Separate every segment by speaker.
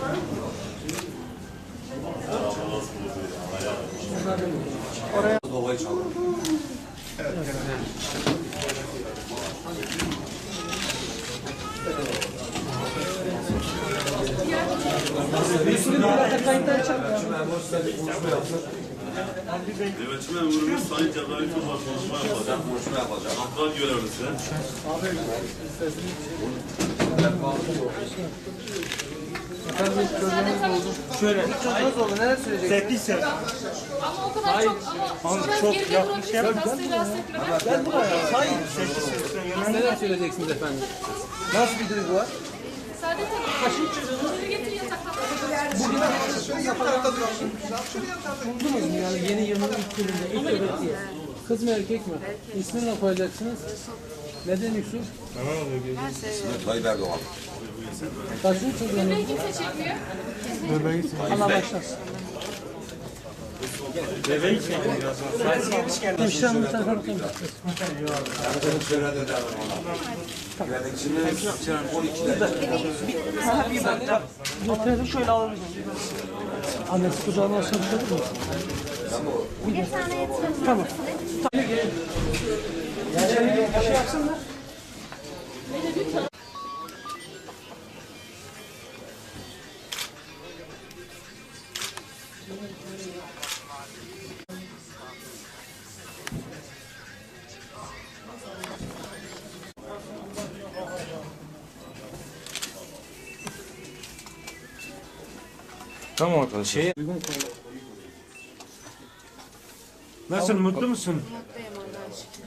Speaker 1: Oraya dolayı çaldım. Evet.
Speaker 2: Nöbetçi memurumuz Sayın Cebrail Tuzla konuşma yapacak. Kontrol görevlisi.
Speaker 3: Efendim çocuğunuz oldu. Şöyle. Çocuğunuz oldu. Neler söyleyeceksiniz? 8 sene.
Speaker 4: Ama o kadar çok yanlış yapmış.
Speaker 3: Ben buraya. Hayır. 8 sene. Neler söyleyeceksiniz efendim? Nasıl bir duygu var?
Speaker 4: Saadet Hanım. Kaşın çocuğunu getir yataktan.
Speaker 3: Buldunuz mu yani yeni yılın ilk gününde ilk öğretiye? Kız mı erkek mi? İsmini ne koyacaksınız? Neden Yusuf?
Speaker 1: İsmi Tayyip Erdoğan.
Speaker 3: Kaçın çocuğunuz?
Speaker 4: Burayı kimse çekmiyor.
Speaker 3: Allah başlasın.
Speaker 5: Bebeği çekiyor.
Speaker 3: Hemşirem bu tarafa bakayım. Yeterim. Şöyle alalım. Annesi kucağına alsın bir şey olur mu?
Speaker 6: Bir tane yetmez.
Speaker 3: Tamam. Bir şey yapsınlar.
Speaker 5: Tamam arkadaşlar. Nasıl mutlu musun?
Speaker 6: Mutluyum Allah'a şükür.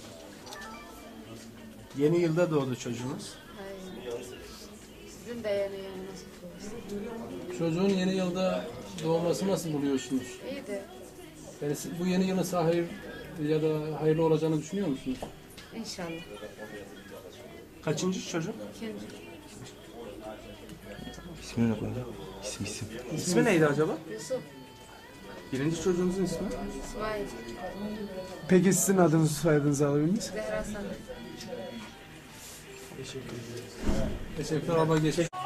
Speaker 3: Yeni yılda doğdu çocuğunuz.
Speaker 6: Hayır. Sizin de yeni yılınız kutlu olsun.
Speaker 3: Çocuğun yeni yılda doğması nasıl buluyorsunuz?
Speaker 6: İyi de
Speaker 3: Yani bu yeni yılın size hayır ya da hayırlı olacağını düşünüyor musunuz?
Speaker 6: inşallah.
Speaker 5: Kaçıncı çocuk?
Speaker 6: İkinci.
Speaker 7: İsmini ne koyalım? İsim.
Speaker 5: İsmi neydi acaba?
Speaker 6: Yusuf.
Speaker 5: Birinci çocuğunuzun ismi?
Speaker 6: İsmail.
Speaker 8: Peki sizin adınızı soyadınızı alabilir miyiz?
Speaker 6: Zehra Sanat.
Speaker 3: Teşekkürler abla. Geçmiş.